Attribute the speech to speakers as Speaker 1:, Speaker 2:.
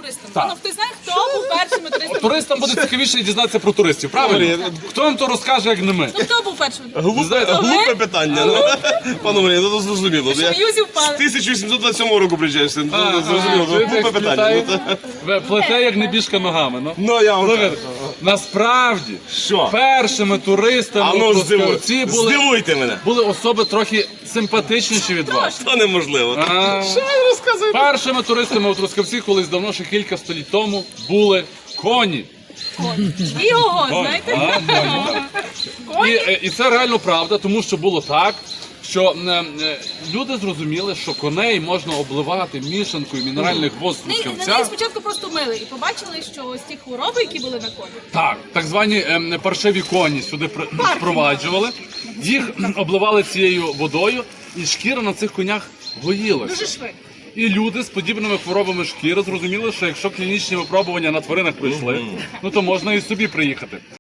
Speaker 1: туристами.
Speaker 2: Так.
Speaker 1: Ну, хтось знає, хто був першими туристами?
Speaker 2: Туристам буде цікавіше дізнатися про туристів, правильно? Хто вам то розкаже, як не ми?
Speaker 1: Ну, хто був першим?
Speaker 3: Глупе питання. Пане Марія, ну зрозуміло.
Speaker 1: Що,
Speaker 3: Я
Speaker 1: Юзі
Speaker 3: з
Speaker 1: впали?
Speaker 3: 1827 року приїжджаю, зрозуміло.
Speaker 2: Чуєте,
Speaker 3: Глупе
Speaker 2: як
Speaker 3: питання.
Speaker 2: літає? Плете, як небіжка ногами. Ну.
Speaker 3: Ну, я вам
Speaker 2: Слухайте,
Speaker 3: кажу.
Speaker 2: насправді,
Speaker 3: Що?
Speaker 2: першими туристами
Speaker 3: А ну
Speaker 2: у Трускавці
Speaker 3: здивуйте мене.
Speaker 2: були особи трохи симпатичніші від вас.
Speaker 3: Це неможливо.
Speaker 2: Першими туристами у Трускавці колись давно, ще кілька століть тому, були коні.
Speaker 1: І його, знаєте?
Speaker 2: І це реально правда, тому що було так, що люди зрозуміли, що коней можна обливати мішанкою мінеральних вод з
Speaker 1: На неї
Speaker 2: Трускавця.
Speaker 1: спочатку просто мили і побачили, що ось ті хвороби, які були на коні,
Speaker 2: Так звані паршиві коні сюди впроваджували, їх обливали цією водою, і шкіра на цих конях гоїлася.
Speaker 1: дуже швидко.
Speaker 2: І люди з подібними хворобами шкіри зрозуміли, що якщо клінічні випробування на тваринах пройшли, ну то можна і собі приїхати.